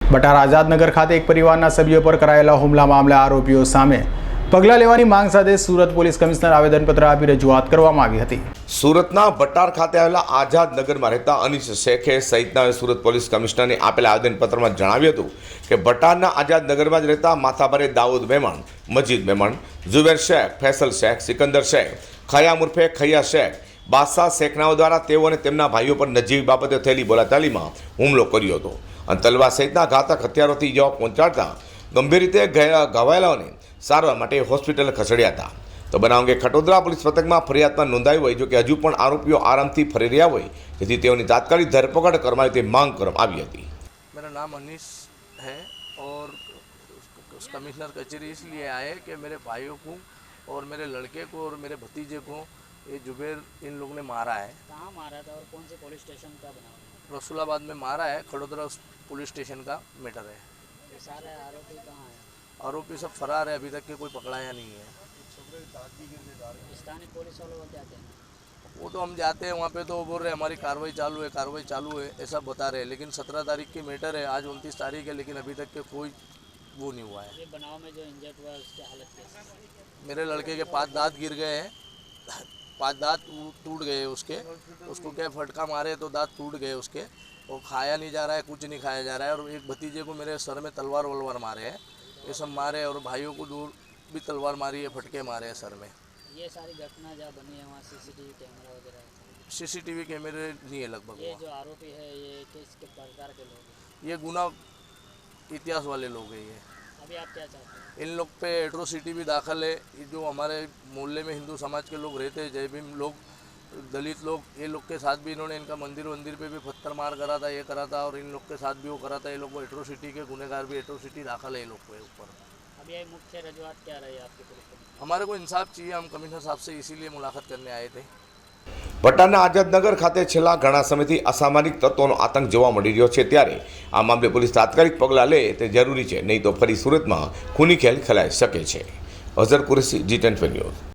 બટાર આઝાદનગર ખાતે એક પરિવારના સભ્યો પર કરાયેલા હુમલા મામલે આરોપીઓ સામે પગલાં લેવાની માંગ સાથે સુરત પોલીસ કમિશનર આવેદનપત્ર આપી રજૂઆત કરવામાં આવી હતી। સુરતના બટાર ખાતે આવેલા આઝાદનગરમાં રહેતા અનીસ શેખે સહિતના સુરત પોલીસ કમિશનરને આપેલા આવેદનપત્રમાં જણાવ્યું હતું કે બટારના આઝાદનગરમાં જ રહેતા માથાભારે દાઉદ મહેમાન, મજીદ મહેમાન, ઝુબેર શેખ, ફૈસલ શેખ, સિકંદર શેખ, ખયામ ઉર્ફે ખૈયા શેખ, બાદશાહ શેખનાઓ દ્વારા તેઓ અને તેમના ભાઈઓ પર નજીવી બાબતે થયેલી બોલાચાલીમાં હુમલો કર્યો હતો અને તલવાર સહિતના ઘાતક હથિયારોથી ઇજાઓ પહોંચાડતા ગંભીર રીતે ઘવાયેલાઓને સારવાર માટે હોસ્પિટલ ખસેડ્યા હતા। તો બનાવ અંગે ખટોદરા પોલીસ મથકમાં ફરિયાદમાં નોંધાઈ હોય, જો કે હજુ પણ આરોપીઓ આરામથી ફરી રહ્યા હોય, જેથી તેઓની તાત્કાલિક ધરપકડ કરવામાં તે માંગ કરવામાં આવી હતી। मेरा नाम अनीस है और कमिश्नर कचहरी इसलिए आए कि मेरे भाइयों को और मेरे लड़के को और मेरे भतीजे को ये जुबेर इन लोगों ने मारा है। कहाँ मारा था और कौन से पुलिस स्टेशन का बना? रसूलाबाद में मारा है। खड़ोदरा पुलिस स्टेशन का मैटर है। ये सारे आरोपी कहाँ है? आरोपी सब फरार है, अभी तक के कोई पकड़ाया नहीं है। स्थानीय पुलिस वाले वो जाते हैं, वो तो हम जाते हैं वहाँ पे तो वो बोल रहे हमारी कार्रवाई चालू है ऐसा बता रहे हैं, लेकिन 17 तारीख की मैटर है, आज 29 तारीख है, लेकिन अभी तक के कोई वो नहीं हुआ है। ये बनाव में जो इंजर्ड हुआ है उसकी हालत कैसी है? मेरे लड़के के 5 दांत गिर गए हैं, 5 दांत टूट गए उसके, उसको क्या फटका मारे तो दांत टूट गए उसके, वो खाया नहीं जा रहा है, कुछ नहीं खाया जा रहा है। और एक भतीजे को मेरे सर में तलवार वलवार मारे हैं, ये सब मारे, और भाइयों को दूर भी तलवार मारी है, फटके मारे हैं सर में। ये सारी घटना जहाँ बनी है वहाँ सीसीटीवी कैमरा वगैरह है? सीसीटीवी कैमरे नहीं है लगभग। ये जो आरोपी है ये किस प्रकार के लोग हैं? ये गुना इतिहास वाले लोग हैं ये। अभी आप क्या चाहते हैं? इन लोग पे एट्रोसिटी भी दाखिल है। ये जो हमारे मोहल्ले में हिंदू समाज के लोग रहते हैं, जय भीम लोग, दलित लोग, ये लोग के साथ भी इन्होंने इनका मंदिर पे भी पत्थर मार करा था, ये करा था, और इन लोग के साथ भी वो करा था। ये लोग को एट्रोसिटी के गुनहगार भी एट्रोसिटी दाखिल है ये लोग के ऊपर। अभी ये मुख्य रजूआत क्या रही आपकी पुलिस को? हमारे को इंसाफ चाहिए, हम कमिश्नर साहब से इसीलिए मुलाकात करने आए थे। બટારના આઝાદનગર ખાતે છેલ્લા ઘણા સમયથી અસામાજિક તત્વોનો આતંક જોવા મળી રહ્યો છે, ત્યારે આ મામલે પોલીસ તાત્કાલિક પગલાં લે તે જરૂરી છે, નહીં તો ફરી સુરતમાં ખૂની ખેલ ખેલાઈ શકે છે। Azhar Qureshi, G10 news.